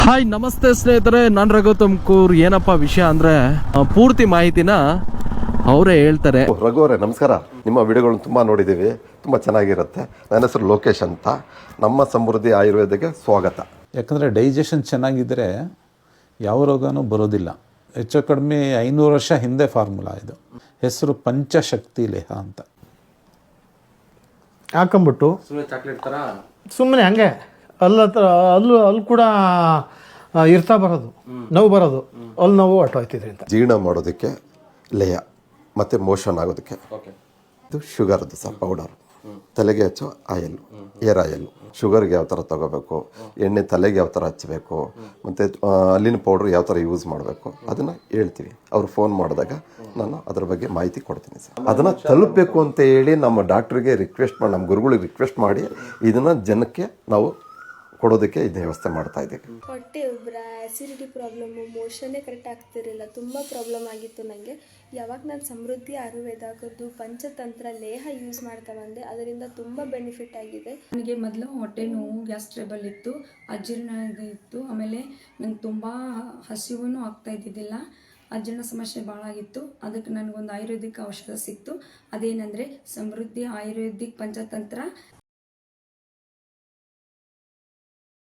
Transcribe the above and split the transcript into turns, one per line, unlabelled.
Hi ನಮಸ್ತೆ ಸ್ನೇಹಿತರೆ, ನಾನು ರಘು ತುಮಕೂರು. ಏನಪ್ಪ ವಿಷಯ ಅಂದರೆ ಪೂರ್ತಿ ಮಾಹಿತಿನ ಅವರೇ ಹೇಳ್ತಾರೆ.
ರಘು ಅವರೇ ನಮಸ್ಕಾರ. ನಿಮ್ಮ ವಿಡಿಯೋಗಳನ್ನ ತುಂಬ ನೋಡಿದ್ದೀವಿ, ತುಂಬ ಚೆನ್ನಾಗಿರುತ್ತೆ. ನನ್ನ ಹೆಸರು ಲೋಕೇಶ್ ಅಂತ. ನಮ್ಮ ಸಮೃದ್ಧಿ ಆಯುರ್ವೇದಕ್ಕೆ ಸ್ವಾಗತ.
ಯಾಕಂದರೆ ಡೈಜೆಷನ್ ಚೆನ್ನಾಗಿದ್ದರೆ ಯಾವ ರೋಗನೂ ಬರೋದಿಲ್ಲ. ಹೆಚ್ಚು ಕಡಿಮೆ 500 ವರ್ಷ ಹಿಂದೆ ಫಾರ್ಮುಲಾ ಇದು. ಹೆಸರು ಪಂಚಶಕ್ತಿ ಲೇಹ ಅಂತ.
ಹಾಕೊಂಬಿಟ್ಟು ಸುಮ್ಮನೆ ಹಂಗೆ ಅಲ್ಲಿ ಕೂಡ ಇರ್ತಾ ಬರೋದು, ನೋವು ಬರೋದು, ಅಲ್ಲಿ ನೋವು ಹೊಟ್ಟೋಯ್ತಿದ್ರಿ ಅಂತ.
ಜೀರ್ಣ ಮಾಡೋದಕ್ಕೆ ಲೇಹ ಮತ್ತು ಮೋಷನ್ ಆಗೋದಕ್ಕೆ ಇದು ಶುಗರ್ದು ಸಹ ಪೌಡರ್. ತಲೆಗೆ ಹಚ್ಚೋ ಆಯಲ್, ಏರ್ ಆಯಲ್. ಶುಗರ್ಗೆ ಯಾವ ಥರ ತೊಗೋಬೇಕು, ಎಣ್ಣೆ ತಲೆಗೆ ಯಾವ ಥರ ಹಚ್ಚಬೇಕು, ಮತ್ತು ಅಲ್ಲಿನ ಪೌಡ್ರ್ ಯಾವ ಥರ ಯೂಸ್ ಮಾಡಬೇಕು ಅದನ್ನು ಹೇಳ್ತೀವಿ. ಅವ್ರು ಫೋನ್ ಮಾಡಿದಾಗ ನಾನು ಅದ್ರ ಬಗ್ಗೆ ಮಾಹಿತಿ ಕೊಡ್ತೀನಿ ಸರ್. ಅದನ್ನು ತಲುಪಬೇಕು ಅಂತ ಹೇಳಿ ನಮ್ಮ ಡಾಕ್ಟ್ರಿಗೆ ರಿಕ್ವೆಸ್ಟ್ ಮಾಡಿ, ನಮ್ಮ ಗುರುಗಳಿಗೆ ರಿಕ್ವೆಸ್ಟ್ ಮಾಡಿ ಇದನ್ನು ಜನಕ್ಕೆ ನಾವು ಕೊಡೋದಕ್ಕೆ ಇದನ್ನ ವ್ಯವಸ್ಥೆ ಮಾಡ್ತಾ ಇದ್ದೀವಿ.
ಹೊಟ್ಟೆ ಉಬ್ಬರ, ಆ್ಯಸಿಡಿಟಿ ಪ್ರಾಬ್ಲಮ್ಮು, ಮೋಷನ್ನೇ ಕರೆಕ್ಟ್ ಆಗ್ತಿರಲಿಲ್ಲ, ತುಂಬ ಪ್ರಾಬ್ಲಮ್ ಆಗಿತ್ತು ನನಗೆ. ಯಾವಾಗ ನಾನು ಸಮೃದ್ಧಿ ಆಯುರ್ವೇದದ್ದು ಪಂಚತಂತ್ರ ಲೇಹ ಯೂಸ್ ಮಾಡ್ತಾ ಬಂದೆ, ಅದರಿಂದ ತುಂಬ ಬೆನಿಫಿಟ್ ಆಗಿದೆ.
ನನಗೆ ಮೊದಲು ಹೊಟ್ಟೆ ನೋವು, ಗ್ಯಾಸ್ ಟ್ರಬಲ್ ಇತ್ತು, ಅಜೀರ್ಣ ಇತ್ತು. ಆಮೇಲೆ ನಂಗೆ ತುಂಬ ಹಸಿವು ಆಗ್ತಾ ಇದ್ದಿದ್ದಿಲ್ಲ, ಅಜೀರ್ಣ ಸಮಸ್ಯೆ ಭಾಳ ಆಗಿತ್ತು. ಅದಕ್ಕೆ ನನಗೊಂದು ಆಯುರ್ವೇದಿಕ್ ಔಷಧ ಸಿಕ್ತು. ಅದೇನೆಂದರೆ ಸಮೃದ್ಧಿ ಆಯುರ್ವೇದಿಕ್ ಪಂಚತಂತ್ರ